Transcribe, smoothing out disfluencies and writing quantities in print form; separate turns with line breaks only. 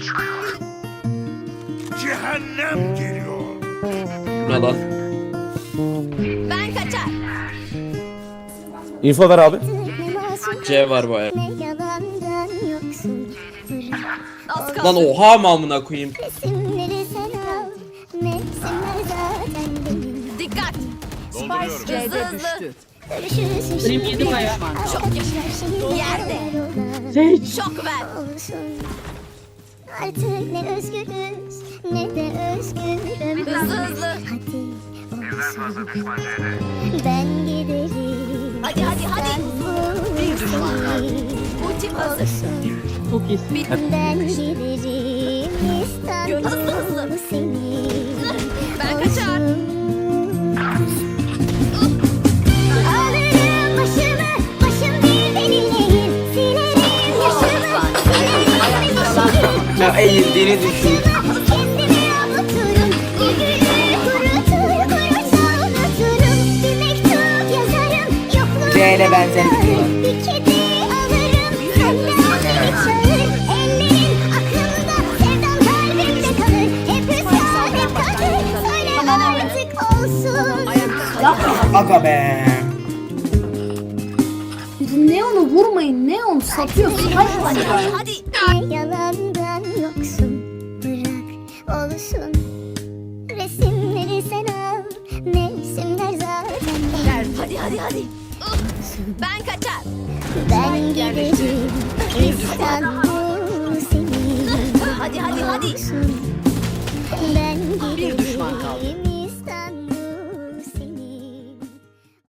Cehennem geliyor.
Ne lan?
Ben kaçar.
Info ver abi.
C var bu ayar.
Az kaldı.
Lan oha mı amına koyayım?
Dikkat.
Dolduruyorum.
Hızlı hızlı.
Benim yedi bayağı.
Şok yerde. Şok ver.
Artık ne özgürüz ne de özgürüm.
Hızlı hızlı.
Ben giderim.
Hadi hadi hadi. Ultim hazır.
Çok iyisin.
Ben giderim İstanbul senin.
Ben kaçar.
Alırım başımı, başım değil benimleyim. Silerim yaşımı, silerim yaşımı.
Ya eğildiğini düşün.
Kendimi avuturum, bir gülü kurutur, kurutsa unuturum. Bir mektup yazarım, yokluğuna
C'yle benzerliği var.
bir kedi alırım, senden adını çağır. Ellerin aklımda, sevdam kalbimde kalır. Hep hüsran, hep kader, söyle artık olsun.
Aga be.
Neon'u vurmayın. Neon satıyor.
Hadi hadi.
Ne yalandan yoksun, bırak olsun. Resimleri sen al, mevsimler zaten.
Hadi hadi hadi. Ben kaçar.
Ben giderim İstanbul senin.
Hadi hadi hadi.
Ben giderim